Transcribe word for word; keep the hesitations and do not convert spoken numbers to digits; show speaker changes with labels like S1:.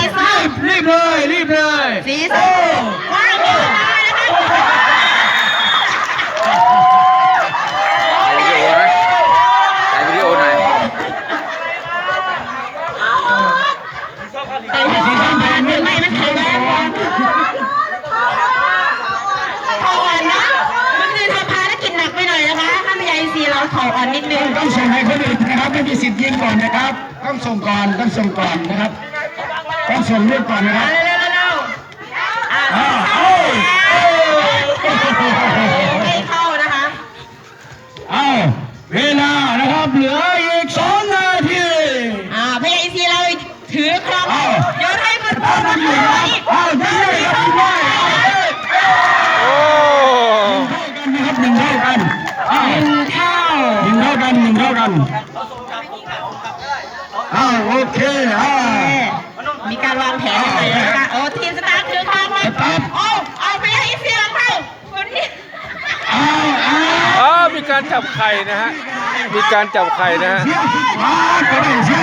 S1: ส้มรีบเลยรีบเลย
S2: สีส้มว่างอยู่เลยนะคะ
S3: ถ่ายวิดีโอหน่อย
S2: แต่สีส้มผ่านหรือไม่มันถูกแล้วถออ่อนนะมันคือทำภารกิจหนักไปหน่อยนะคะถ้าไม่ใหญ่สีเราถออ่อนนิดนึง
S1: ต้องส่งให้คนอื่นนะครับไม่มีสิทธิ์ยิงก่อนนะครับต้องส่งก่อนต้องส่งก่อนนะครับต้องส่งเรื่องก่อนนะครับ
S2: เร็วเร็วเร็วอ่าไม่เข้านะคะ
S1: เอาเวลานะครับเหลืออีกสองนาที
S2: อ่าพยาซีเราถือครองโยนให้มัน
S1: เอาได้เลยเอาได้เลยครับได้
S3: โอ้
S1: หนึ่งเท่ากันนะครับหนึ่งเท่ากันหนึ่งเท่าหนึ่งเท่ากันอ้าวโอเคอ่า
S2: มีการวางแผนเลยนะคะโอ้ทีมสตาร์ถือครองเลยโอ้เอาพยาซีเราเข้าคนนี้
S1: อ้าวอ้าว
S3: อ๋อมีการจับไข่นะฮะมีการจับไข่นะฮะ
S1: เสียขวาก็ได้เสีย